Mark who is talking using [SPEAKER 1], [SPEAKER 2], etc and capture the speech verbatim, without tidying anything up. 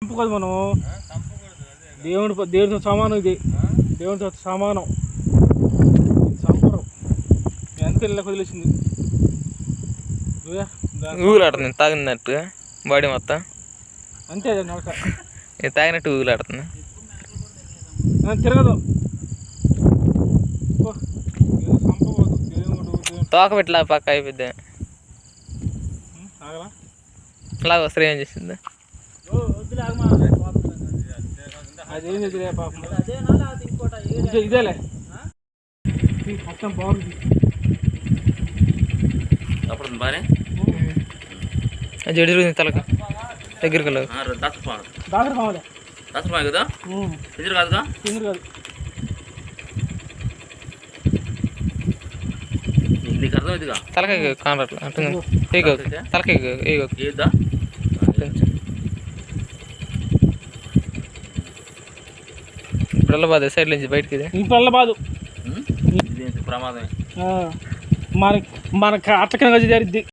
[SPEAKER 1] చంపుకోదు మనం. దేవుడి దేవుడితో సమానం, ఇది దేవుడితో సమానం. చంపరు. ఎంత వెళ్ళి వదిలేసింది
[SPEAKER 2] ఊగులాడుతుంది తాగినట్టు బాడీ మొత్తం
[SPEAKER 1] అంతే. నడక
[SPEAKER 2] తాగినట్టు ఊగులాడుతుంది,
[SPEAKER 1] తిరగదు. చంపబోదు దేవుడు.
[SPEAKER 2] తోక పెట్టిలా పక్క అయిపోద్ది.
[SPEAKER 1] ఆగలా
[SPEAKER 2] అలాగ వస్తే ఏం చేసింది?
[SPEAKER 1] అదేం చేద్దిలే పాపం. ఇదేలే మొత్తం బాగుంది.
[SPEAKER 2] జడి తిరుగుతుంది తలక దగ్గరికి
[SPEAKER 1] డాక్టర్ కావాలి
[SPEAKER 3] కదా ఎదురు కాదుగా
[SPEAKER 1] తిందురు కాదు.
[SPEAKER 3] నీకు అర్థమైందిగా.
[SPEAKER 2] తలకాయ కానట్లా తలకాయ
[SPEAKER 3] ఏదా
[SPEAKER 2] ఇప్పుడు బాధ సైడ్ నుంచి బయటకి
[SPEAKER 1] ఇప్పుడు బాదు
[SPEAKER 3] ప్రమాదమే.
[SPEAKER 1] మనకి మనకు అట్లకనగా జరిద్ది.